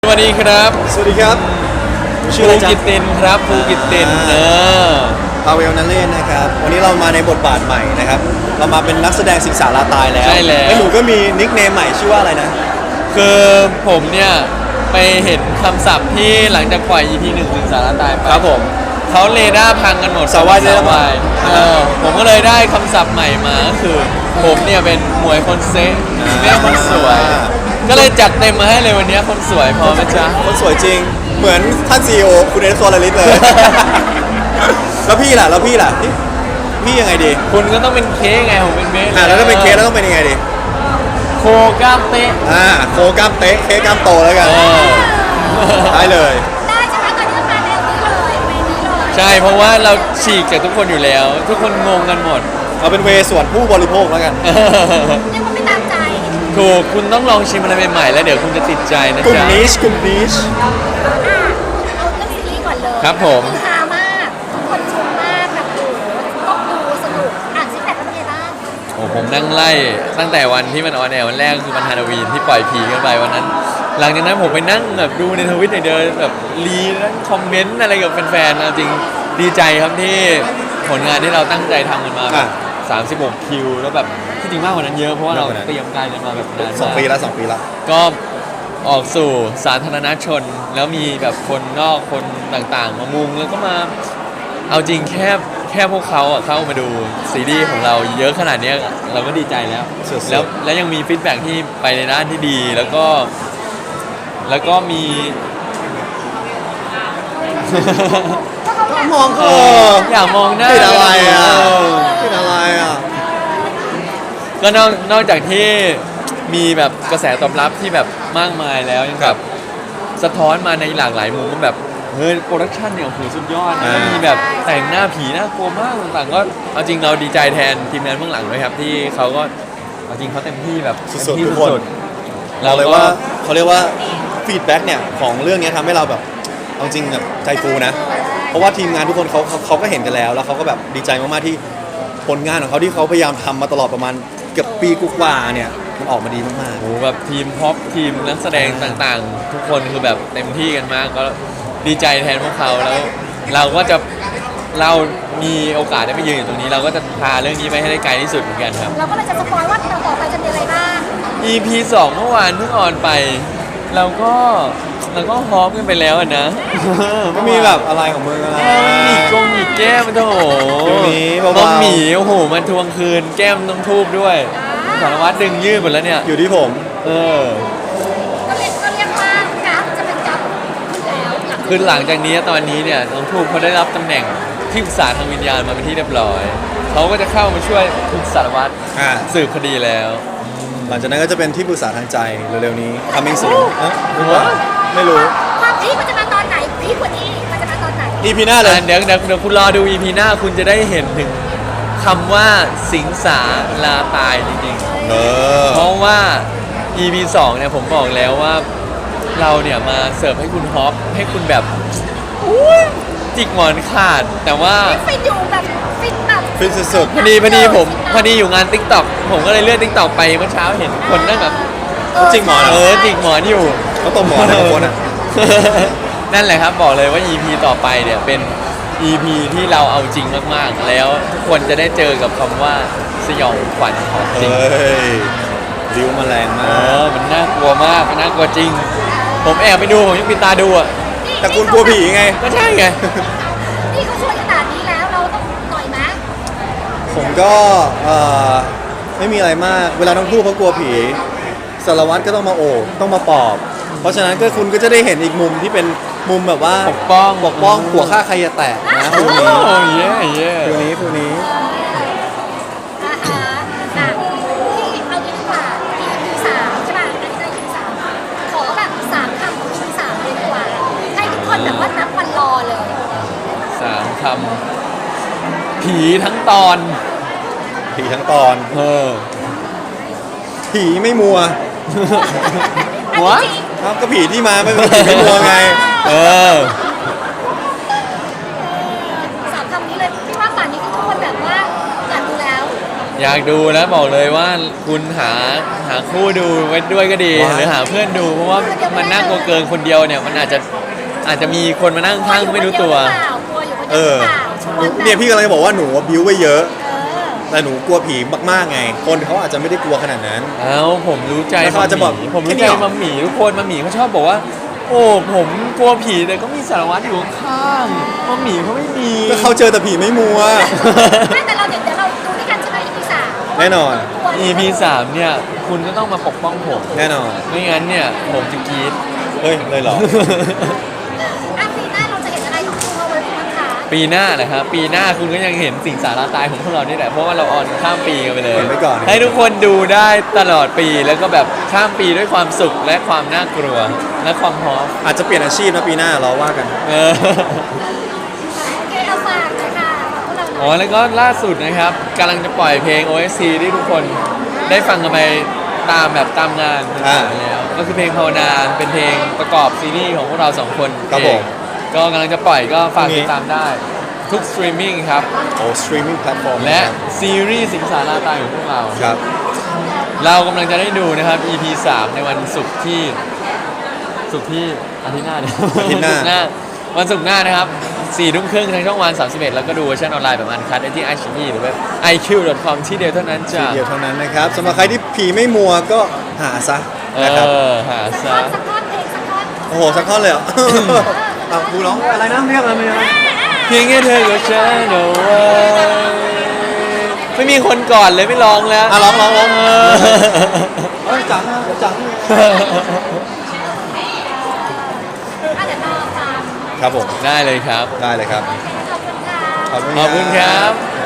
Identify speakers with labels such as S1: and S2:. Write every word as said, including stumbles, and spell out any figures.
S1: สวัสดีครับ
S2: สวัสดีครับ
S1: ชื่ออะไรจ๊ะภูกิตตินครับภูกิตตินเออ
S2: พาเวลนันเล่นนะครับวันนี้เรามาในบทบาทใหม่นะครับเรามาเป็นนักแสดงสิงสาราตายแล้ว
S1: ใช่แล้ว
S2: แล้วหนูก็มีนิกเนมใหม่ชื่อว่าอะไรนะ
S1: คือผมเนี่ยไปเห็นคำศัพท์ที่หลังจากปล่อย อี พี หนึ่งสิงสาราตายไป
S2: ครับผม
S1: เขาเรดาร์พังกันหมด
S2: สาววายเรดาร์พัง
S1: เออผมก็เลยได้คำศัพท์ใหม่มาก็คือผมเนี่ยเป็นหมวยคนเซ็กแม่คนสวยก็เลยจัดเต็มมาให้เลยวันนี้คนสวยพอไหมจ๊ะ
S2: คนสวยจริงเหมือนท่านซีอีโอคุณเอสโซลาริสเลย แล้วพี่ล่ะแล้วพี่ล่ะพี่พี่ยังไงดี
S1: คุณก็ต้องเป็นเค้กไงผมเป็นเมส
S2: อ่าแล้วถ้าเป็นเค้กแล้วต้องเป็นยังไงดี
S1: โคกล้ามเตะ
S2: อ่าโคกล้ามเตะเค้กกล้ามโตแล้วกันได้เลย
S3: ได้ใช่ไหมตอนนี้มาแนวนี้เลยเวนี้เลย
S1: ใช่เพราะว่าเราฉีกจากทุกคนอยู่แล้ว ทุกคนงงกันหมด
S2: เอาเป็นเวส่วนผู้บริโภคแล้วกัน
S3: เรียกว่าไม่ตามใจ
S1: ถูกคุณต้องลองชิมอะไรใหม่ๆแล้วเดี๋ยวคุณจะติดใจนะจ๊ะ
S2: กลุ่มนิชกลุ่มนิช
S3: อ่ะเอาเรื่องซีรีส์ก่อนเลย
S1: ครับผม
S3: ฮามากทุกคนชมมากแบบโอ้ต้องดูสนุกอ่านซิกแพคเป็นไงบ้าง
S1: โอ้ผมนั่งไล่ตั้งแต่วันที่มันออนแอร์วันแรกคือวันฮาโลวีนที่ปล่อยผีกันไปวันนั้นหลังจากนั้นผมไปนั่งแบบดูในทวิตเดินแบบรีนั่งคอมเมนต์อะไรกับแฟนๆจริงดีใจครับที่ผลงานที่เราตั้งใจทำกันมาแบบสามสิบหกคิวแล้วแบบที่จริงมากกว่านั้นเยอะเพราะว่าเราเตรียมการกันมาแบบนาน
S2: สองปีแล้วสองปีแล้ว
S1: ก็ออกสู่สาธารณชนแล้วมีแบบคนนอกคนต่างๆมามุงแล้วก็มาเอาจริงแค่แค่พวกเขาเข้ามาดูซีรีส์ของเราเยอะขนาดนี้เราก็ดีใจแล้วแล้วแล้วยังมีฟีดแบ็กที่ไปในด้านที่ดีแล้วก็แล้วก็มี
S2: มองเออ
S1: อยากมองหน้า
S2: เป็นอะไรอ่ะเป็นอะไรอ่ะ
S1: ก็นอกนอกจากที่มีแบบกระแสตอบรับที่แบบมากมายแล้วยังแบบสะท้อนมาในหลากหลายมุมว่าแบบเฮ้ยโปรดักชันเนี่ยโอ้โหสุดยอดนะมีแบบแต่งหน้าผีน่ากลัวมากต่างๆก็เอาจริงเราดีใจแทนทีมงานเบื้องหลังด้วยครับที่เขาก็เอาจริงเขาเต็มที่แบบ
S2: สุดๆทุกคนเราเลยว่าเขาเรียกว่าฟีดแบ็กเนี่ยของเรื่องนี้ทำให้เราแบบเอาจริงแบบใจฟูนะเพราะว่าทีมงานทุกคนเขาเขาก็เห็นกันแล้วแล้วเขาก็แบบดีใจมากๆที่ผลงานของเขาที่เขาพยายามทำมาตลอดประมาณเกือบปีกว่าเนี่ยมันออกมาดีมากๆ
S1: โอ้แบบทีมพ็อปทีมนักแสดงต่างๆทุกคนคือแบบเต็มที่กันมากก็ดีใจแทนพวกเขาแล้วเราก็จะเรามีโอกาสได้ไปยืนอยู่ตรงนี้เราก็จะพาเรื่องนี้ไปให้ได้ไกลที่สุดเหมือนกันครับ
S3: เราก็เลยจะสปอยว่าเราต่อไปจะมีอะไรบ้าง
S1: อี พี สองเมื่อวานเพิ่งออนไปเราก็เราก็ฮอปกันไปแล้วนะ
S2: ไม่มีแบบอะไรของมึงอะไร
S1: อีกกงอีกแก้มมันโถมอมหมีโอ้โหมันทวงคืนแก้มต้องทูบด้วยสารวัตรดึงยืดหมดแล้วเนี่ย
S2: อยู่ที่ผม
S1: เออ
S3: ก็เรียกก็เรียกว่ากราฟจะเป็นกราฟแล้ว
S1: คือหลังจากนี้ตอนนี้เนี่ยน้องทูบเขาได้รับตำแหน่งที่ปรึกษาทางวิญญาณมาเป็นที่เรียบร้อยเขาก็จะเข้ามาช่วยคุณสารวัตรสืบคดีแล้ว
S2: หลังจากนั้นก็จะเป็นที่ปรึกษาทางใจเร็วๆนี้ coming soon รู้ว่าไม่รู้
S3: ความพีคมันจะมาตอนไหนพีคกว่านี้มันจะมาตอนไหน
S2: อี พี หน้าเลย
S1: เดี๋ยวเดี๋ยวเดี๋ยวคุณรอดู อี พี หน้าคุณจะได้เห็นถึงคำว่าสิงสาราตายจริงๆเออเพราะว่า อี พี สองเนี่ยผมบอกแล้วว่าเราเนี่ยมาเสิร์ฟให้คุณฮอปให้คุณแบบจิกหมอนขาดแต่ว่า
S3: ฟินอยู่แบบฟินแบบ
S2: ฟินสุด
S1: ๆพอดีพอดีผมพอดีอยู่งาน ติ๊กต็อก ผมก็เลยเลื่อน ติ๊กต็อก ไปเมื่อเช้าเห็นคนนั่งแบบ
S2: จิกหมอน
S1: เออจิกหมอนอยู่
S2: เขาตบหมอนนะคนอ่ะ
S1: นั่นแหละครับบอกเลยว่า อี พี ต่อไปเนี่ยเป็น อี พี ที่เราเอาจริงมากๆแล้วทุกคนจะได้เจอกับคำว่าสยองขวัญของจริง
S2: เฮ้ยริ้วมาแรงมาก
S1: เออมันน่ากลัวมากมันน่ากลัวจริงผมแอบไปดูผมยังปิดตาดูอ่ะ
S2: แต่คุณกลัวผีไง
S1: ก็ใช่ไง
S3: นี่เขาช่วยขนาดนี้แล้วเราต้องหน่อยมั้ย
S2: ผมก็เอ่อไม่มีอะไรมากเวลาน้องทูบเขากลัวผีสารวัตรก็ต้องมาโอบต้องมาปอบเพราะฉะนั้นก็คุณก็จะได้เห็นอีกมุมที่เป็นมุมแบบว่า
S1: ปกป้อง
S2: ปกป้องหัวฆ่าใครจะแตกนะ
S1: ฟิวนี้โอ้ยเย่
S2: ฟิวนี้ฟิวนี้
S3: อ่าฮะอ่ะที่เอางี้ดีกว่า อี พี สามใช่ป่ะอันนี้ได้ อี พี สามขอแบบสามคำของ อี พี สามเลยดีกว่าให้ทุกคนแบบว่านับวันรอเลย
S1: สามคำผีทั้งตอน
S2: ผีทั้งตอน
S1: เออ
S2: ผีไม่มัว
S1: หัว
S2: ครับก็ผีที่มาไม่เป็นผีไม่มัวไง
S1: เออ
S3: สามคำนี้เลยพี่ว่าป่านนี้ทุกคนแบบว่าอยากดูแล้ว
S1: อยากดูแล้วบอกเลยว่าคุณหาหาคู่ดูไว้ด้วยก็ดี
S2: ว้าว
S1: หรือหาเพื่อนดูเพราะว่ามันน่ากลัวเกินคนเดียวเนี่ยมันอาจจะอาจจะมีคนมานั่งข้างไม่รู้ตัว
S3: กลัวอยู่คน
S2: เอ
S3: เดียวห
S2: อ
S3: รือเปล่าชวน
S2: เนี่ยพี่กำลังจะบอกว่าหนูบิ้วไว้เยอะ
S3: เออ
S2: แต่หนูกลัวผีมากๆไง คนเขาอาจจะไม่ได้กลัวขนาดนั้น
S1: เอ้าผมรู้ใจ
S2: แล้วเขา
S1: มั
S2: อาจจะ
S1: ม
S2: บอก
S1: หมี่ผมรู้
S2: แค่นี้
S1: ใจ
S2: เหรอ
S1: มัมหมี่ทุกคนมัมหมี่เขาชอบบอกว่า โอ้ผมกลัวผีแต่ก็มีสารวัตรอยู่ข้างๆมัมหมี่เขาไม่มี
S2: ก็เขาเจอแต่ผีไม่มัว
S3: ไม่แต่เราเดี๋ยวเดี๋ยวเราดูด้วยกันใช่ไหม อี พี สาม
S2: แน่นอน
S1: อี พี สามเนี่ยคุณก็ต้องมาปกป้องผม
S2: แน่นอน
S1: ไม่งั้นเนี่ยผมจะกรีด
S2: เฮ้ย เลยเหรอ
S3: อ่ะปีหน้าเราจะเห็นอะไรของคุณเอาไว้บ้างคะ
S1: ปีหน้านะครับ ปีหน้าคุณก็ยังเห็นสิ่งสาระตายของพวกเรานี่แหละเพราะว่าเราออนข้ามปีกันไปเลย
S2: เห็นไว้ก่อน
S1: ให้ทุกคนดูได้ตลอดปีแล้วก็แบบข้ามปีด้วยความสุขและความน่ากลัวและความพร้อม
S2: อาจจะเปลี่ยนอาชีพนะปีหน้าเราว่ากัน
S1: เออ
S3: โอเคเอาฝากเลยค่ะฝากพวกเราห
S1: อ๋
S3: น่
S1: อ
S3: อย
S1: แล้วก็ล่าสุดนะครับกำลังจะปล่อยเพลง โอ เอส ซี ที่ทุกคนได้ฟังกันไปตามแบบตามงาน
S2: อ่า
S1: ต่างๆแล้ว ก็คือเพลงภาวนาเป็นเพลงประกอบซีรีส์ของพวกเราสองคน
S2: ครับ
S1: เอง
S2: ผม
S1: ก็กำลังจะปล่อยก็ฝาก
S2: พรุ่งนี้
S1: ติดตามได้ทุกสตรีมมิ่งครับ
S2: โอ้สตรีมมิ่งแพลตฟอร์ม
S1: และซีรีส์สิงสาราตายของพวกเรา
S2: ครับ
S1: เรากำลังจะได้ดูนะครับ อี พี สาม ในวันศุกร์ที่ศุกร์ที่อาทิตย์หน้าเนี่ย
S2: อาทิตย์หน้า
S1: วันศุกร์หน้าวันศุกร์หน้านะครับสี่ทุ่มครึ่งทางช่องวันสามสิบเอ็ดแล้วก็ดูเวอร์ชันออนไลน์แบบอันคัดได้ที่ ไอ ซี อี หรือเว็บ ไอ คิว ดอท คอม ที่เดียวเท่านั้นจ้ะ
S2: เดียวเท่านั้นนะครับสำหรับใครที่ผีไม่มัวก็หาซะ
S1: เอ
S2: นะครับ
S1: อ หา
S3: สัก
S1: ซะ
S3: ท่อนสักท่อนเพลงสักท่อน
S2: โอ้โห สักท่อนเลยเหรอ เอาครูร้องอะไรนะเรียกอะไรนะ
S1: เพียงแค่เธอกับฉันเอาไว้ไม่มีคนก่อนเลยไม่ร้องแล้ว
S2: อ่ะร้องร้องร้อง
S1: เออ
S2: เอ้ยจังนะจัง
S3: อ่ะเดี๋ยวรอฟัง
S2: ครับผม
S1: ได้เลยครับ
S2: ได้เลยครับ
S3: ขอบคุณค่ะ
S2: ขอบคุณ
S1: ขอบคุณครับ
S2: บ